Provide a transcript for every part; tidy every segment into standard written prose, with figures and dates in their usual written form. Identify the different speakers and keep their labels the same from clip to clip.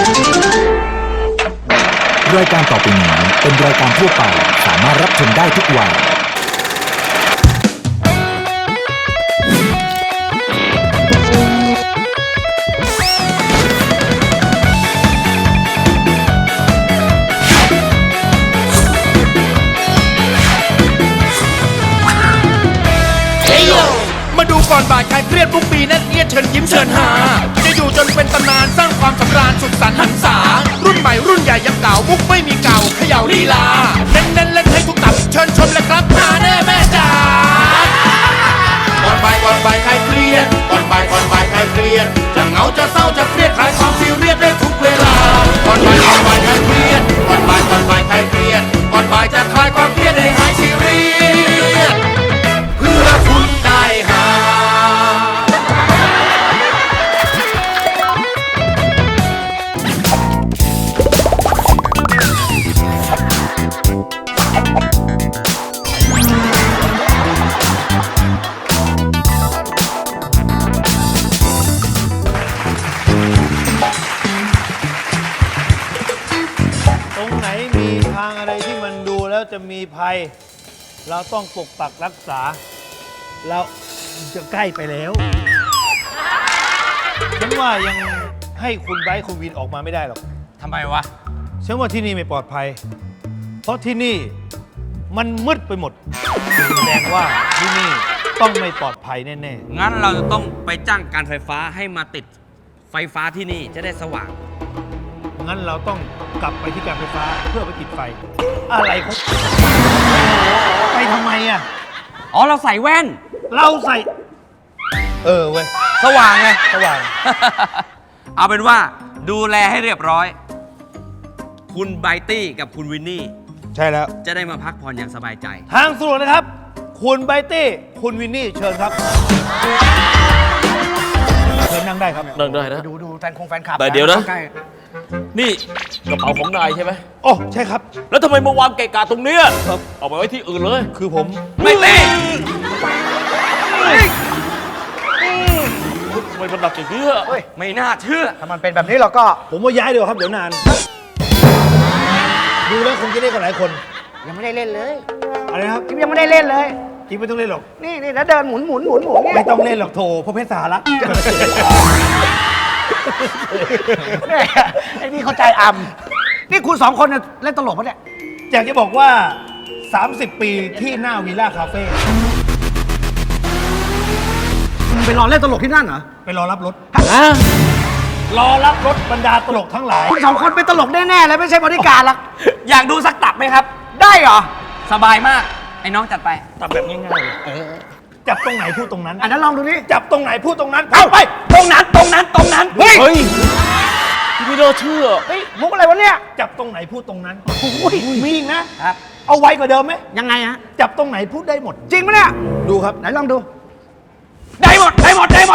Speaker 1: รายการต่อไปนี้เป็นรายการทั่วไปสามารถรับชมได้ทุกวัย
Speaker 2: มาดูก่อนบ่ายใครเครียดทุกปีนั่นเอียดเชิญยิ้มเชิญหาจะอยู่จนเป็นตำนานสร้างความสำราญสุดสันต์หันษารุ่นใหม่รุ่นใหญ่ยังเก่ามุกไม่มีเก่าเขย่าลีลาเน้นเล่นให้ทุกตับเชิญชมเลยครับหาแน่แม่จ๋าก่อนบ่ายใครเครียดก่อนบ่ายใครเครียดจะเหงาจะเศร้าจะเครียดคลายความซีเรียสได้ทุกเวลาก่อนบ่ายใครเครียดก่อนบ่ายใครเครียดก่อนบ่ายจะคลายความเครียดให้หายซีเรียสเพื่อคุณได้หา
Speaker 3: ตรงไหนมีทางอะไรที่มันดูแล้วจะมีภัย เราต้องปกปักรักษา เราจะใกล้ไปแล้วฉันว่ายังให้คุณไบร์ทคุณวินออกมาไม่ได้หรอก
Speaker 2: ทำไมวะ
Speaker 3: ฉันว่าที่นี่ไม่ปลอดภัย เพราะที่นี่มันมืดไปหมดแสดงว่าที่นี่ต้องไม่ปลอดภัยแน่
Speaker 4: งั้นเราจะต้องไปจ้างการไฟฟ้าให้มาติดไฟฟ้าที่นี่จะได้สว่าง
Speaker 3: ๆงั้นเราต้องกลับไปที่การไฟฟ้าเพื่อไปติดไฟ อะไรของไปทำไมอ่ะ
Speaker 4: อ๋อ เราใส่แว่น
Speaker 3: เราใส่ เว้ย
Speaker 4: สว่างไง
Speaker 3: สว่าง
Speaker 4: เอาเป็นว่าดูแลให้เรียบร้อย คุณไบตี้กับคุณวินนี่
Speaker 3: ใช่แล้ว
Speaker 4: จะได้มาพักผ่อนอย่างสบายใจ
Speaker 3: ทางสะดวกนะครับ คุณไบตี้ คุณวินนี่ เชิญครับ เชิญนั่งได้ครับ
Speaker 5: นั่งได้นะ
Speaker 6: ดูแฟนคลับ
Speaker 5: แต่เดี๋ยวนะ
Speaker 6: ใกล้
Speaker 5: นี่กระเป๋าของนายใช่ไหม
Speaker 3: โอ้ ใช่ครับ
Speaker 5: แล้วทำไมมาวางเกะกะตรงเนี้ย
Speaker 3: ครับ
Speaker 5: เอาไปไว้ที่อื่นเลย
Speaker 3: คือผม
Speaker 4: ไม่ตี
Speaker 5: ทำไมมันหนักอย่างนี้อะ
Speaker 4: ไม่น่าเชื่อ
Speaker 6: ถ้ามันเป็นแบบนี้เราก็
Speaker 3: ผมว่าย้ายเดี๋ยวครับ เดี๋ยวนาน ดูแล้วคงจะได้กันหลายคน
Speaker 6: ยังไม่ได้เล่นเลย
Speaker 3: อะไรนะครับ
Speaker 6: จิ๊บยังไม่ได้เล่นเลย
Speaker 3: จริงไม่ต้องเล่นหรอก
Speaker 6: นี่แล้วเดินหมุนเนี่ย
Speaker 3: ไม่ต้องเล่นหรอกโถเพราะเพชรสาระ
Speaker 6: เนี่ยไอ้นี่เข้าใจอำนี่คุณสองคนเนี่ยเล่นตลกปะเนี่ย
Speaker 3: อยากจะบอกว่า 30 ปีที่หน้าวิลล่าคาเฟ่
Speaker 6: มึงไปรอเล่นตลกที่นั่นเหรอ
Speaker 3: ไปรอรับรถ รอรับรถบรรดาตลกทั้งหลาย
Speaker 6: คุณสองคนเป็นตลกแน่ๆเลยไม่ใช่บริการหรอก
Speaker 4: อยากดูสักตับไหมครับ
Speaker 6: ได้เหรอ
Speaker 4: สบายมาก ไอ้น้องจัดไป
Speaker 3: ตับแบบง่ายๆเลยจับตรงไหนพูดตรงนั้น
Speaker 6: อันนั้นลองดูนี่
Speaker 3: จับตรงไหนพูดตรงนั้น
Speaker 4: เอาไปตรงนั้น
Speaker 6: เฮ้ย
Speaker 5: เฮ้ยพี่ไม่น่าเชื่อ
Speaker 6: เฮ้ยมุกอะไรวะเนี่ย
Speaker 3: จับตรงไหนพูดตรงนั้น
Speaker 6: โอ้ย
Speaker 3: มีอีกนะครับ เอาไวกว่าเดิมไหม
Speaker 6: ยังไงฮะ
Speaker 3: จับตรงไหนพูดได้หมด
Speaker 6: จริงปะเนี่ย
Speaker 3: ดูครับ
Speaker 6: ไหนลองดู
Speaker 4: ได้หมด
Speaker 6: ไปเล่น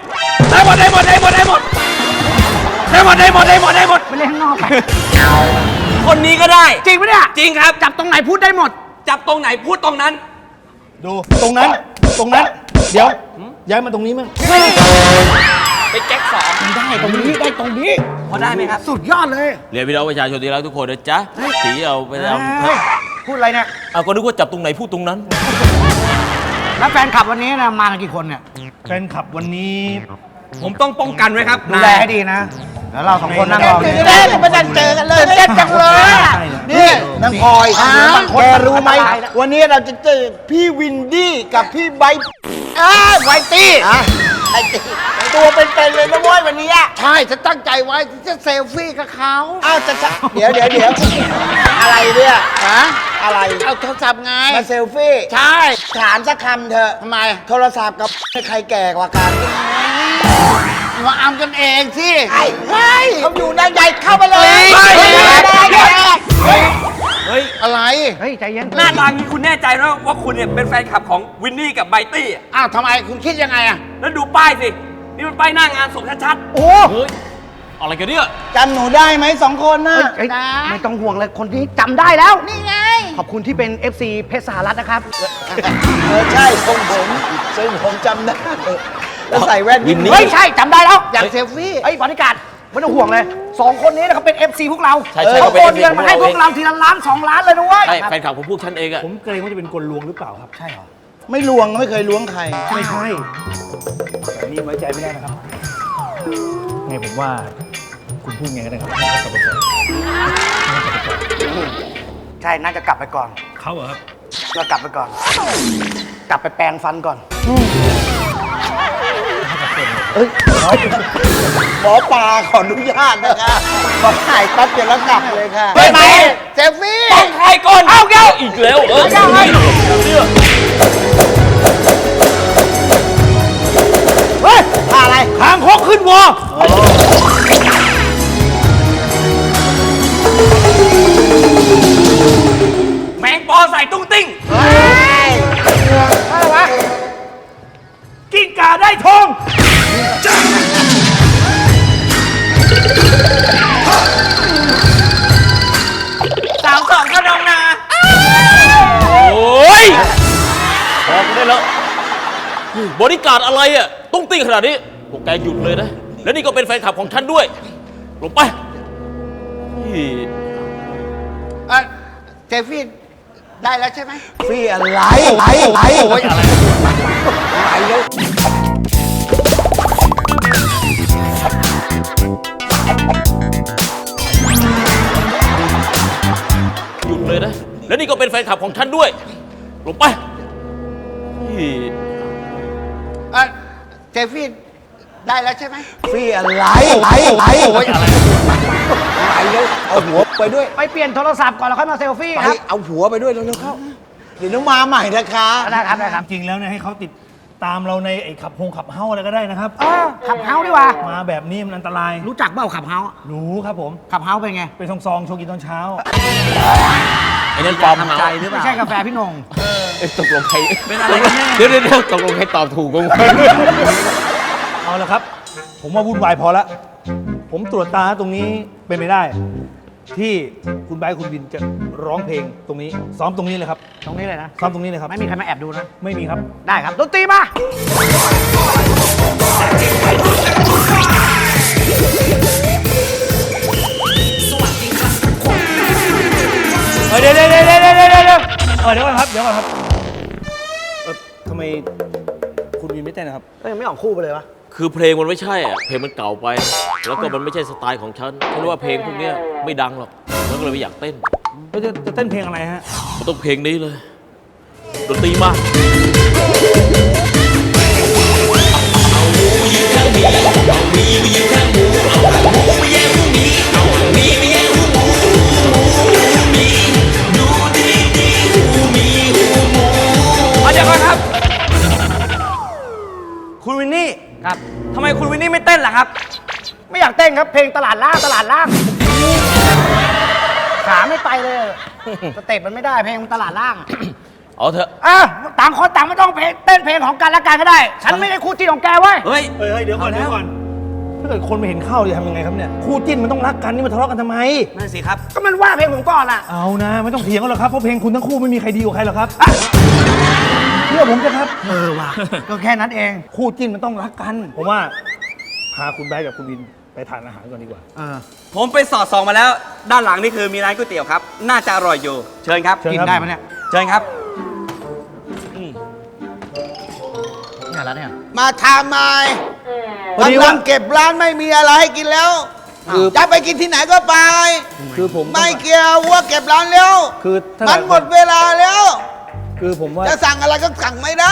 Speaker 6: ข้างนอกไป
Speaker 4: คนนี้ก็ได้
Speaker 6: จริงปะเนี่ย
Speaker 4: จริงครับ
Speaker 6: จับตรงไหนพูดได้หมด
Speaker 4: จับตรงไหนพูดตรงนั้น
Speaker 3: ดูตรงนั้น เดี๋ยวย้ายมาตรงนี้มั้ง
Speaker 4: ไปแก๊กสอง
Speaker 6: ได้ตรงนี้
Speaker 4: พอได้ไหมครับ
Speaker 6: สุดยอดเลย
Speaker 5: เรียนพี่น้องประชาชนที่รักทุกคนนะจ๊ะสีเอาไปท
Speaker 6: เฮ้ยพูดอะไรเนี่ย
Speaker 5: ำเอาก็นึกว่าจับตรงไหนพูดตรงนั้น
Speaker 6: แล้วแฟนคลับวันนี้นะมากันกี่คนเนี่ย
Speaker 3: แฟนคลับวันนี้
Speaker 4: ผมต้องป้องกันไว้ครับ
Speaker 6: ดูแลให้ดีนะ แล้วเราสองคนนั่งรอ
Speaker 3: ตื่น
Speaker 6: เต้นไม่ได้เจอกันเลยเต้นจังเลย
Speaker 7: นี่นางพลอยแกรู้ไหม วันนี้เราจะเจอพี่วินดี้กับพี่ไบร์ทไวตี้ไวตี้ตัวเป็นๆเลยนะเว้ยวันนี้ใช่ฉันตั้งใจไว้จะเซลฟี่กับเขาอ้าวเดี๋ยวอะไรเนี่ยฮะอะไรเอาโทรศัพท์ไงมาเซลฟี่ใช่ถามสักคำเถอะทำไมโทรศัพท์กับใครแก่กว่ากันมาอำกันเองสิเฮ้ยเขาอยู่ด้านใหญ่เข้าไปเลยเฮ้ยอะไร
Speaker 6: เฮ้ยใจเย็น
Speaker 4: หน้าตานี้คุณแน่ใจนะว่าคุณเนี่ยเป็นแฟนคลับของวินนี่กับไบตี้อะ
Speaker 7: อ้าวทำไมคุณคิดยังไงอะ
Speaker 4: แล้วดูป้ายสิ นี่มันป้ายหน้างานศพชัด
Speaker 6: โอ้
Speaker 5: เฮ้ย อะไรกันเนี่ย
Speaker 7: จำหนูได้ไหมสองคนน่ะ
Speaker 6: เฮ้ยไม่ต้องห่วงเลยคนนี้จำได้แล้ว นี่ไง ขอบคุณที่เป็น FC เพชรสหรัฐนะครับ
Speaker 7: ใช่ทรงผมจำได้แล้วใส่แว่น
Speaker 5: วินนี่
Speaker 6: เฮ้ยใช่จำได้แล้ว
Speaker 7: อยากเซลฟี่
Speaker 6: เฮ้ยบริการไม่ต้องห่วงเลย2 คนนี้นะเขาเป็น FC พวกเรา
Speaker 5: ใช่ใช่
Speaker 6: เขา
Speaker 5: เขาเป็น
Speaker 6: โอน
Speaker 5: FC
Speaker 6: เงินมาให้พวกเราทีละล้าน2 ล้านเลยนะเว้ย
Speaker 5: ใช่แฟนคลับของพวกฉันเองอะ
Speaker 3: ผมเกรงว่าจะเป็นกลลวงหรือเปล่าครับ ใช่เหรอ
Speaker 7: ไม่ลวงไม่เคยล้วงใคร
Speaker 3: ไม่ใช่แต่นี่ไว้ใจไม่ได้นะครับ ไงผมว่าคุณพูดไงก็ได้ครับให้เขากลับไปก่อน
Speaker 6: ใช่น่าจะกลับไปก่อน
Speaker 3: เขาเหรอครับ
Speaker 6: เรากลับไปก่อน กลับไปแปรงฟันก่อน
Speaker 7: หมอปลาขออนุญาตนะคะขอถ่ายปั๊บเดี๋ยวแล้วกลับเลยค่ะ
Speaker 5: เฮ้ยไป
Speaker 7: เซฟฟี่
Speaker 5: ต้องใครก่อนเอาแก้วอีกแล้วเนี่ย
Speaker 3: เฮ้ย
Speaker 7: ท่าอะไร
Speaker 3: ทางคกขึ้นวอ
Speaker 4: แมงปอใส่ตุ้งติ้ง
Speaker 6: อะไรวะ
Speaker 3: กิ้งก่าได้ทอง
Speaker 4: 3-2ก็ดองนา
Speaker 5: โอ้ยพอกันได้แล้วบริการดอะไรอะตุ้งติ้งขนาดนี้พวกแกหยุดเลยนะ แล้วนี่ก็เป็นแฟนคลับของฉันด้วย ลงไปนี่
Speaker 7: เซฟฟี่ได้แล้วใช่ไหมฟี่อะไรอะไรโอ้ยอะไรแล้ว
Speaker 5: หยุดเลยนะ แล้วนี่ก็เป็นแฟนคลับของฉันด้วย ลงไปนี่
Speaker 7: เซฟฟี่ได้แล้วใช่ไหมฟี่อะไรอะไรโอ้ยอะไรแล้วเอาหัวไปด้วย
Speaker 6: ไปเปลี่ยนโทรศัพท์ก่อนแล้วค่อยมาเซลฟี่
Speaker 7: ไป
Speaker 6: ครับ
Speaker 7: เอาหัวไปด้วยเร็วๆเข้าเดี๋ยวน้องมาใหม่นะคะ
Speaker 6: ได้ครับได้ครับ
Speaker 3: จริงแล้วเนี่ยให้เขาติดตามเราในไอ้ขับเฮ้าอะไรก็ได้นะครับ
Speaker 6: ขับเฮาดีกว่า
Speaker 3: มาแบบนี้มันอันตราย
Speaker 6: รู้จักเปล่าขับเฮา
Speaker 3: รู้ครับผม
Speaker 6: ขับเฮาเป็นไง
Speaker 3: เป็นซองๆโชว์กินตอนเช้า
Speaker 5: ไอ้นั่นปลอม
Speaker 6: ทำใจหรือเปล่าไม่ใช่กาแฟพี่นง
Speaker 5: ตกลงใครเป็นอะไรกันแน่เดี๋ยวตกลงใครตอบถูกกัน
Speaker 3: เอาละครับ ผมว่าวุ่นวายพอละ ผมตรวจตาตรงนี้เป็นไปได้ ที่คุณไบร์ทคุณวินจะร้องเพลงตรงนี้ ซ้อมตรงนี้เลยครับ
Speaker 6: ตรงนี้เลยนะ
Speaker 3: ซ้อมตรงนี้เลยครับ
Speaker 6: ไม่มีใครมาแอบดูนะ
Speaker 3: ไม่มีครับ
Speaker 6: ได้ครับ ดนตรีมา
Speaker 3: เดี๋ยวเดี๋ยวก่อนครับ เดี๋ยวก่อนครับทำไมคุณวินไม่เต้นนะครับ
Speaker 6: ก็ยังไม่ออกคู่ไปเลยวะ
Speaker 5: คือเพลงมันไม่ใช่อะเพลงมันเก่าไป แล้วก็มันไม่ใช่สไตล์ของฉันฉันว่าเพลงพวกเนี้ยไม่ดังหรอกฉันก็เลยไม่อยากเต้น
Speaker 3: แล้วจะเต้นเพลงอะไรฮะ
Speaker 5: มันต้องเพลงนี้เลย ดนตรีมา
Speaker 4: เอาเดี๋ยวก่อนครับ คุณวินนี่
Speaker 6: ครับ
Speaker 4: ทำไมคุณวินนี่ไม่เต้นล่ะครับ
Speaker 6: ไม่อยากเต้นครับ เพลงตลาดล่างขาไม่ไปเลยสเต็ปมันไม่ได้เพลงมันตลาดล่าง
Speaker 5: เอาเถอะ
Speaker 6: ต่างคนต่างไม่ต้องเต้นเพลงของกันและกันก็ได้ ฉันไม่ได้คู่จิ้นของแกเว้ย
Speaker 4: เฮ้ย
Speaker 3: เฮ้ยเดี๋ยวก่อนเดี๋ยวก่อน ถ้าเกิดคนมาเห็นเข้าจะทำยังไงครับเนี่ย คู่จิ้นมันต้องรักกันนี่มาทะเลาะกันทำไม
Speaker 4: นั่นสิครับ
Speaker 6: ก็มันว่าเพลงผมก่อนอ่ะ
Speaker 3: เอานะไม่ต้องเถียงกันหรอกครับ เพราะเพลงคุณทั้งคู่ไม่มีใครดีกว่าใครหรอกครับเชื่อผมเถอะครับ
Speaker 6: ว่ะ ก็แค่นั้นเอง
Speaker 3: คู่จิ้นมันต้องรักกัน ผมว่าพาคุณไบร์ทกับคุณวินไปทานอาหารก่อนดีกว่า
Speaker 4: ผมไปสอดส่องมาแล้ว ด้านหลังนี่คือมีร้านก๋วยเตี๋ยวครับ น่าจะอร่อยอยู่ เชิญครับ
Speaker 3: เชิญ
Speaker 6: กิน
Speaker 3: ครับ
Speaker 6: ได้ปะเนี่ย
Speaker 4: เชิญครับ
Speaker 6: เนี่ยแล้วเนี่ย
Speaker 7: มาทำไม
Speaker 3: พอดี
Speaker 7: กำลั
Speaker 3: ว่า
Speaker 7: งเก็บร้านไม่มีอะไรให้กินแล้วจะไปกินที่ไหนก็ไป
Speaker 3: คือผม
Speaker 7: ไม่เกี่ยวว่าเก็บร้านแล้ว
Speaker 3: คือถ้า
Speaker 7: มันหมดเวลาแล้ว
Speaker 3: คือผมว่า
Speaker 7: จะสั่งอะไรก็สั่งไม่ได้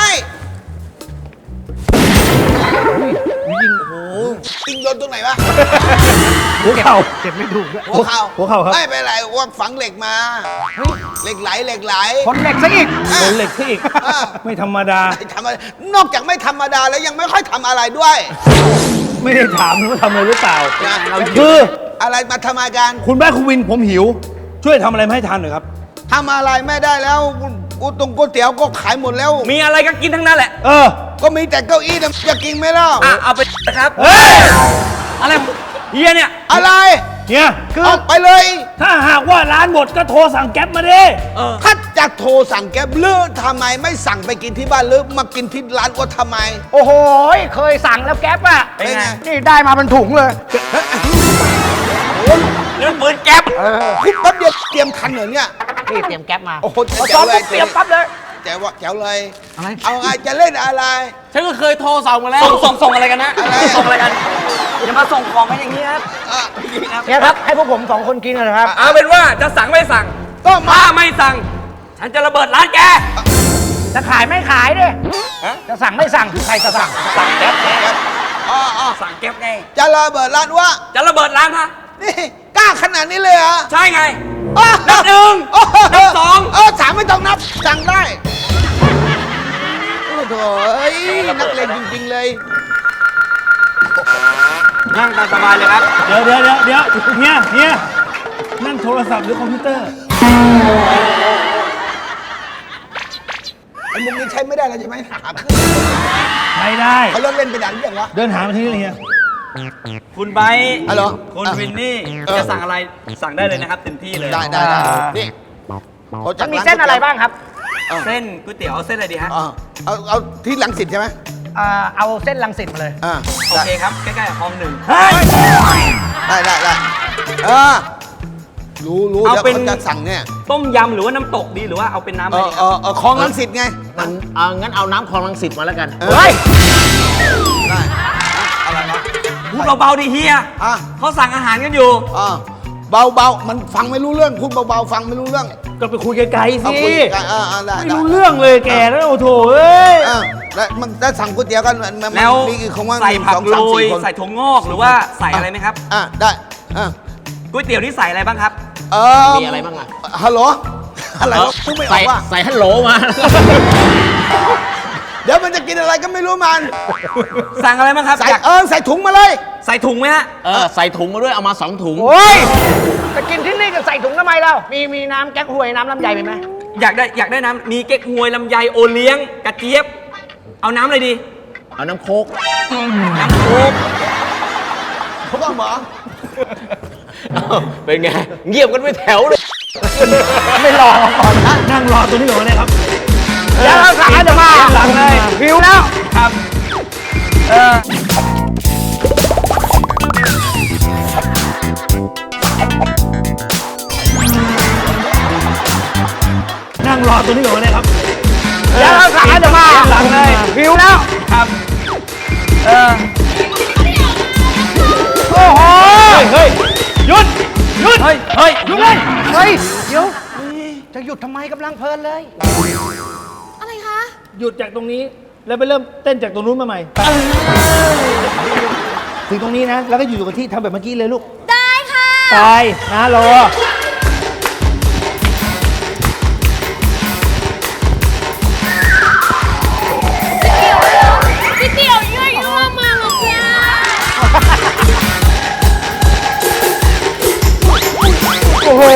Speaker 7: ยิงโดนตรงไหนวะ
Speaker 3: หัวเข่า
Speaker 6: เจ็บไม่ถูกด้วย
Speaker 7: หัวเข่า
Speaker 3: หัวเข่าครับ
Speaker 7: ไม่เป็นไรว่าฝังเหล็กมาเหล็กไหลเหล็กไหล
Speaker 6: คนเหล็กซะอีก
Speaker 3: โดนเหล็กที่อีก
Speaker 7: อ่ะ
Speaker 3: ไม่ธรรมดา
Speaker 7: ไม่ทำอะไรนอกจากไม่ธรรมดาแล้วยังไม่ค่อยทำอะไรด้วย
Speaker 3: ไม่ได้ถามว่าทำอะไรหรือเปล่า
Speaker 7: นะ
Speaker 3: คือ
Speaker 7: อะไรมาทำอาการ
Speaker 3: คุณแม่คุณวินผมหิว ช่วยทำอะไรมาให้ทานหน่อยครับ
Speaker 7: ทำอะไรไม่ได้แล้วกูตรงก๋วยเตี๋ยวก็ขายหมดแล้ว
Speaker 4: มีอะไรก็กินทั้งนั้นแหละ
Speaker 3: เออ
Speaker 7: ก็มีแต่เก้าอี้นะจะกินไหมล่ะ
Speaker 4: เอาไปนะครับ
Speaker 3: เฮ้ย
Speaker 4: อะไรเฮียเนี่ย
Speaker 7: อะไร
Speaker 3: เนี่ยคือ
Speaker 7: ออกไปเลย
Speaker 3: ถ้าหากว่าร้านหมดก็โทรสั่งแก๊ปมาดิ
Speaker 7: ถ้าจะโทรสั่งแก๊บหรือทำไมไม่สั่งไปกินที่บ้านหรือมากินที่ร้านว่าทำไม
Speaker 6: โอ้โห เคยสั่งแล้วแก๊ปอ่ะ
Speaker 7: เป็นไง
Speaker 6: นี่ได้มาเป็นถุงเลย
Speaker 4: นั่นปืนแก๊ป
Speaker 7: คุบแป๊บเดียวเตรียมทันเหรอเนี่ย
Speaker 6: นี่เตรียมแก๊ปมา
Speaker 7: โอ้โห
Speaker 6: พอ
Speaker 7: แจ๋
Speaker 6: ซ้อ
Speaker 7: ว
Speaker 6: ม
Speaker 7: เลย
Speaker 6: เตรียมปั๊บเลย
Speaker 7: แจ๋วแจ๋วเลย
Speaker 6: อะไร
Speaker 7: เอาไงจะเล่นอะไร
Speaker 5: ฉันก็เคยโทรสั่งมาแล้ว
Speaker 4: ส่งอะไรกันนะ
Speaker 7: อะไร
Speaker 4: ส่งอะไรกันอย่ามาส่งของกันอย่างนี้ครับ
Speaker 7: อ่ะ
Speaker 6: เนี่ยครับ ให้พวกผมสองคนกินกันนะครับ
Speaker 4: เอาเป็นว่าจะสั่งไม่สั่ง
Speaker 7: ก็มา
Speaker 4: ถ้าไม่สั่ง ฉันจะระเบิดร้านแก
Speaker 6: จะขายไม่ขายดิจะสั่งไม่สั่งใครจะสั่ง
Speaker 4: สั่งแก๊ปไง
Speaker 7: อ๋อ
Speaker 4: สั่งแก๊ปไง
Speaker 7: จะระเบิดร้านวะ
Speaker 4: จะระเบิดร้านฮะ
Speaker 7: นี่กล้าขนาดนี้เลยเหรอ
Speaker 4: ใช่ไง
Speaker 7: อ๋อ
Speaker 4: นับหนึ่ง
Speaker 7: โอ้โห
Speaker 4: นับสอง
Speaker 7: สามไม่ต้องนับสั่งได้โอ้โหนักเลงจริงๆเลย
Speaker 4: นั่งตามสบายเลยครับ
Speaker 3: เดี๋ยวเฮียนั่นโทรศัพท์หรือคอมพิวเตอร์
Speaker 7: ไอ้มุกนี้ใช้ไม่ได้แล้วใช่ไหมหาขึ้น
Speaker 3: ไม่ได้
Speaker 7: เขาเลิกเล่นไปนานหรือยังวะ
Speaker 3: เดินหามาที่นี่เลยเฮีย
Speaker 4: คุณไบร์ท
Speaker 7: อ๋อเหรอ
Speaker 4: คุณ
Speaker 7: อ่ะ
Speaker 4: วินนี่ จะสั่งอะไรสั่งได้เลยนะครับเต็มที่เลย
Speaker 7: ได้นี่เขาจั
Speaker 6: มั
Speaker 7: ด
Speaker 6: นมีเส้นอะไรบ้างครับ
Speaker 4: เส้นก๋วยเตี๋ยวเอาเส้นอะไรดีฮะ
Speaker 7: เอาที่ลังสิตใช่ไหม
Speaker 6: เอาเส้นรังสิตมาเลย
Speaker 4: โอเคครับ ใกล้ๆกับคลองหนึ่ง
Speaker 7: ได้รู้
Speaker 4: เอา
Speaker 7: เดี๋ยว
Speaker 4: เป็น
Speaker 7: เขาจะสั่งเนี่ย
Speaker 4: ต้มยำหรือว่าน้ำตกดีหรือว่าเอาเป็นน้ำอะไรดีครับ
Speaker 7: คลองลังสิตไง
Speaker 6: งั้นเอาน้ำคลองรังสิตมาแล้วกัน
Speaker 7: เฮ้ยได้อะไรวะ
Speaker 4: พูดเบาๆดิเฮีย
Speaker 7: อ่ะ
Speaker 4: เขาสั่งอาหารกันอยู่
Speaker 7: เบาๆมันฟังไม่รู้เรื่องพูดเบาๆฟังไม่รู้เรื่อง
Speaker 3: ก็ไปคุยไกลๆ
Speaker 7: เอา
Speaker 3: สิ
Speaker 7: คุยกันได้
Speaker 3: ไม่รู้เรื่องเลยแกแล้วโอ้โถเอ้ย
Speaker 7: แล้วมันได้สั่งก๋วยเตี๋ยวกันมัน
Speaker 4: แล้ว
Speaker 7: มีกี่คนว่า
Speaker 4: ใส่ผัก
Speaker 7: 1 2
Speaker 4: โร
Speaker 7: 3
Speaker 4: ย
Speaker 7: 4คน
Speaker 4: ใส่ถั่วงอกหรือว่าใส่อะไรไหมครับ
Speaker 7: ได้
Speaker 4: ก๋วยเตี๋ยวนี่ใส่อะไรบ้างครับ
Speaker 6: มีอะไรบ้างอะ
Speaker 7: ฮัลโหลอะไรวะพูดไม่ออกว่า
Speaker 6: ใส่ฮัลโหลมา
Speaker 7: เดี๋ยวมันจะกินอะไรก็ไม่รู้มัน
Speaker 4: สั่งอะไรบ้างครับ
Speaker 7: ใส่
Speaker 4: อยาก
Speaker 7: ใส่ถุงมาเลย
Speaker 4: ใส่ถุงไหมฮะ
Speaker 6: ใส่ถุงมาด้วย เอามา2 ถุง
Speaker 7: โอ้ย
Speaker 6: จะกินที่นี่จะใส่ถุงทำไมเรามีน้ำแก๊กฮวยน้ำลำไยมีไหม
Speaker 4: อยากได้น้ำมีเก๊กฮวยลำไยโอเลี้ยงกระเจี๊ยบ เอาน้ำอะไรดี
Speaker 6: เอาน้ำโคก
Speaker 4: น้ำโค้ก
Speaker 7: เขาบอกหมอ
Speaker 5: เป็นไง เงียบกันไปแถวเลย
Speaker 3: ไม่รอก่อนนะนั่งรอตัวนี้ก่อนเลยครับ
Speaker 6: เดี๋ยวเราสั่งจะมา
Speaker 3: สั่งเลย
Speaker 6: หิวแล้ว
Speaker 4: ครับ
Speaker 3: นั่งรอตัวนี้ก่อนเลยครับ
Speaker 6: เดี๋ยวเราสั่งจะมา
Speaker 3: สั่งเลย
Speaker 6: หิวแล้ว
Speaker 4: ครับ
Speaker 6: โอ้โห
Speaker 3: เฮ้ยหยุด
Speaker 4: เฮ้ย เฮ้ย
Speaker 3: หยุดเลย
Speaker 6: เฮ้ยเดี๋ยวจะหยุดทำไมกำลังเพลินเลย
Speaker 8: อะไรคะ
Speaker 3: หยุดจากตรงนี้แล้วไปเริ่มเต้นจากตรงนู้นมาใหม่ไปถึงตรงนี้นะ แล้วก็อยู่กับที่ทำแบบเมื่อกี้เลยลูก
Speaker 8: ได้ค่ะ
Speaker 3: ตายนะรอ
Speaker 8: พี่เตี๋ยวยั่วยั่วมาหรอกจ้า
Speaker 3: โอ้โห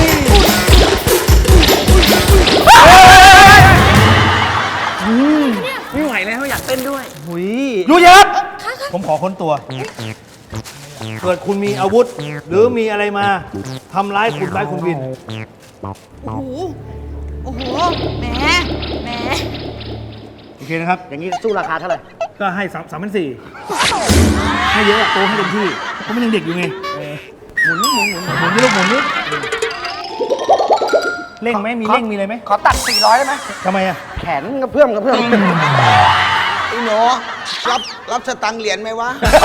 Speaker 4: ไม่ไหวแล้วอยากเต้นด้วย
Speaker 3: หุยรู้ยังครับ ผมขอค้นตัว เกิดคุณมีอาวุธ หรือมีอะไรมาทำร้ายคุณร้ายคุณวิน
Speaker 8: โอ้โห โอ้โห แหม แหม
Speaker 3: โอเคนะครับ
Speaker 6: อย่างนี้สู้ราคาเท่าไหร่
Speaker 3: ก็ให้3,400ให้เยอะอะโตให้เต็มที่เพราะมันยังเด็กอยู่ไงหมุนนี่ลูกหมุนนี่เร่งไหมมีเร่งมีอะไรไหม
Speaker 6: ขอตัด400ได้ไหม
Speaker 3: ทำไมอะ
Speaker 6: แขนกระเพื่อม
Speaker 7: ไอ้หนูรับสตังค์เหรียญไหมวะ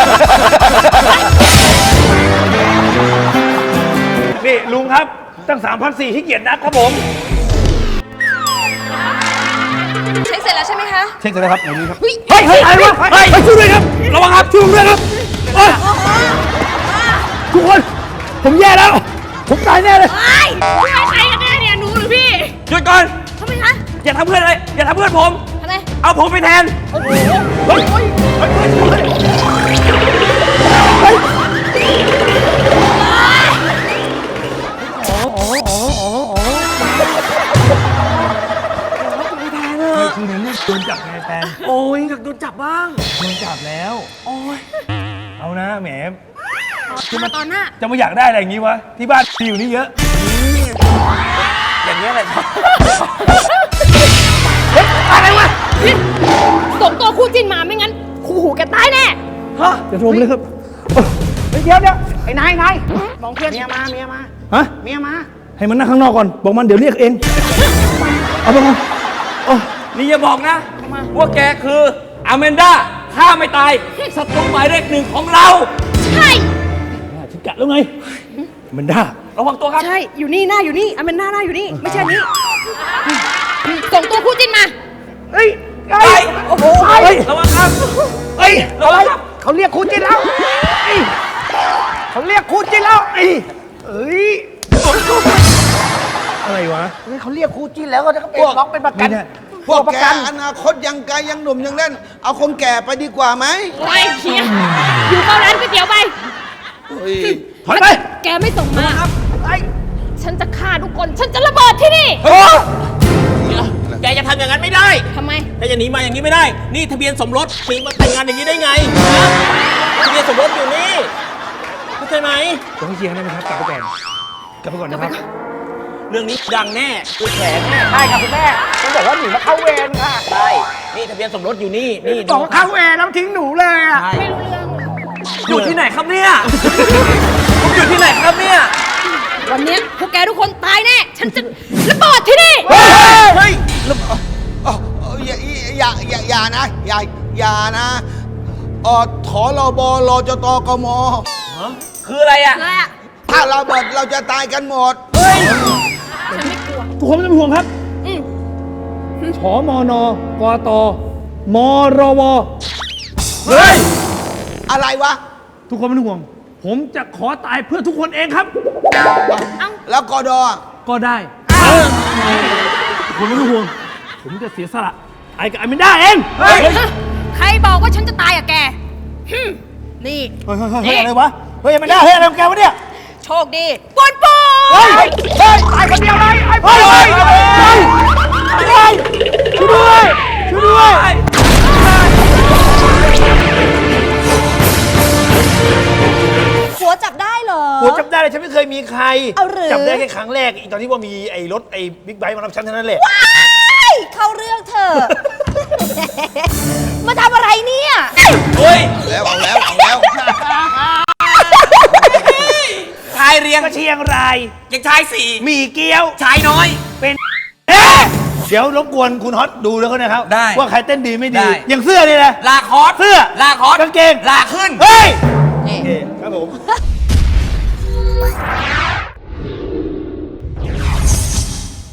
Speaker 3: นี่ลุงครับตั้ง3,400ที่เกียรตินักครับผม
Speaker 8: เช็คเสร็จแล้วใช่ไหมคะ
Speaker 3: เช็คกันเลยครับอย่างนี้ครับ
Speaker 8: เฮ้ย
Speaker 3: เฮ้ยอะไรวะเฮ้ยช่วยด้วยครับระวังครับช่วยผมด้วยครับเฮ้ยทุกคนผมแย่แล้ว ผมตายแน่เลย
Speaker 8: พี่ใครกันแน่เนี่ยหนูหรือพี่
Speaker 4: หยุดก่อน
Speaker 8: ทำไมคะ
Speaker 4: อย่าทำเพื่อนเลย อย่าทำเพื่อนผม
Speaker 8: ทำไม
Speaker 4: เอาผมไปแทน
Speaker 3: เฮ้ยคือในเรื่องโดนจับไงแฟน
Speaker 4: โอ้ยอยากโดนจับบ้าง
Speaker 3: โดนจับแล้ว
Speaker 4: โอ้ย
Speaker 3: เอานะแหม
Speaker 8: มาตอนหน้า
Speaker 3: จะมาอยากได้อะไรอย่างงี้วะ ที่บ้านมีอยู่นี่เยอะ
Speaker 4: อย่างนี้ยแหละ
Speaker 3: อะไรวะ
Speaker 8: ส่งตัวคู่จินมาไม่งั้น คู่หูแกตายแน่
Speaker 3: จะรวมเลยครับ
Speaker 6: เฮ้ยเดี๋ยวไอ้นายมองเพื่อนเมียมา
Speaker 3: ฮะ
Speaker 6: เมียมา
Speaker 3: ให้มันนั่งข้างนอกก่อน บอกมันเดี๋ยวเรียกเอง เอาไปก่อนโอ้
Speaker 4: นี่อย่าบอกนะว่าแกคืออแมนด้าฆ่าไม่ตายศัตรูหมายเลขหนึ่งของเรา
Speaker 8: ใช่
Speaker 3: ฉันกะแล้วไง มันได้
Speaker 4: ระวังตัวครับ
Speaker 8: ใช่ อยู่นี่หน้าอยู่นี่อันเป็นหน้าอยู่นี่ ไม่ใช่อันนี้ส่งตัวคู่จิ้นมา
Speaker 6: เฮ้ย
Speaker 4: โอ้โหระวังครับ
Speaker 3: เอ้ย
Speaker 4: ระวังครับ
Speaker 6: เขาเรียกคู่จิ้นแล้วเอ้ยเขาเรียกคู่จิ้นแล้วเอ้ย
Speaker 3: อะไรวะ
Speaker 6: เฮ้ยเขาเรียกคู่จิ้นแล้วก็จะเป็นล็อกเป็นประกัน
Speaker 3: ไม่ได้
Speaker 7: พวก
Speaker 6: ประ
Speaker 7: แก
Speaker 6: กัน
Speaker 7: อนาคตยังไกลยังหนุ่มยังเล่น เอาคนแก่ไปดีกว่าไหม
Speaker 8: ไปเฮียอยู่เข้าร้านก๋วยเตี๋ยวไป
Speaker 3: ถอยไป
Speaker 8: แกไม่ส่งมาฉันจะฆ่าทุกคน ฉันจะระเบิดที่นี่
Speaker 5: แกจะทำอย่างนั้นไม่ได้
Speaker 8: ทำไม
Speaker 5: แกจะหนีมาอย่างนี้ไม่ได้ นี่ทะเบียนสมรสปีมาแต่งงานอย่างนี้ได้ไงทะเบียนสมรสอยู่นี่เข้าใจไหม
Speaker 3: ต้องเคลียร์ได้ไหมครับ กลับไปก่อน กลับไปก่อนนะครับ
Speaker 5: เรื่องนี้ดังแน่คือแฉแน่
Speaker 6: ใช่ครับคุณแม่ฉันบอกว่าหนีมาเข้าเวรค่ะ
Speaker 5: ใช่นี่ทะเบียนสมรสอยู่นี่นี่
Speaker 6: บอกว่าเข้าเวรแล้วทิ้งหนูเลยอ่ะ
Speaker 8: ไม่รู้เรื่องเลย
Speaker 4: อยู่ที่ไหนครับเนี่ยผมอยู่ที่ไหนครับเนี่ย
Speaker 8: วันเนี้ยพวกแกทุกคนตายแน่ ฉันจะระเบิดที่นี่
Speaker 7: เฮ้ยอย่านะ อย่านะถรบรจตกม
Speaker 4: คืออะไรอ่ะ
Speaker 8: อะไรอะ
Speaker 7: ถ้าเราเบิดเราจะตายกันหมด
Speaker 8: ฉันไม่กลัว
Speaker 3: ทุกคนไม่ต้องเป็นห่วงครับ
Speaker 8: อืม
Speaker 3: ชมนกตมรวเฮ้ย
Speaker 7: อะไรวะ
Speaker 3: ทุกคนไม่ต้องห่วง ผมจะขอตายเพื่อทุกคนเองครับ
Speaker 7: แล้วกด
Speaker 3: ก็ได้ทุกคนไม่ต้องห่วง ผมจะเสียสละไอ้กับไอ้ไม่ได้เอง เฮ้ย
Speaker 8: ใครบอกว่าฉันจะตายอะแกหึ่มนี่
Speaker 3: เฮ้ยอะไรวะ เฮ้ยไม่ได้ เฮ้ยอะไรของแกวะเนี่ย
Speaker 8: โชคดีปวนปู
Speaker 3: เฮ้ยตายคนเดียวเลยไอ้พ่อเฮ้ยช่วยด้วยช่วยด้วย
Speaker 8: หัวจับได้เหรอ
Speaker 3: โหจำได้เลยฉันไม่เคยมีใคร
Speaker 8: เอาหรือ
Speaker 3: จำได้แค่ครั้งแรกอีกตอนที่ว่ามีไอ้รถไอ้บิ๊กไบค์มารับฉันเท่านั้นแหละ
Speaker 8: ว้ายเข้าเรื่องเถอะ มาทำอะไรเนี่ย
Speaker 4: เฮ้ย
Speaker 7: แล้วเอาแล้ว
Speaker 4: ชายเรียง
Speaker 3: ก็เชียงราย
Speaker 4: ยังชายสี่
Speaker 3: มีเกี๊ยว
Speaker 4: ชายน้อย
Speaker 3: เป็นเดี๋ยวรบกวนคุณฮอตดูแล้วก็นะครับ
Speaker 4: ได้
Speaker 3: ว่าใครเต้นดีไม่
Speaker 4: ได้
Speaker 3: ดี อย่างเสื้อนี่แหละ
Speaker 4: ลาคอส
Speaker 3: เสื้อ
Speaker 4: ลาคอส
Speaker 3: กางเกง
Speaker 4: ลาขึ้น
Speaker 3: เฮ้ย
Speaker 8: นี่
Speaker 3: โอเคครับผม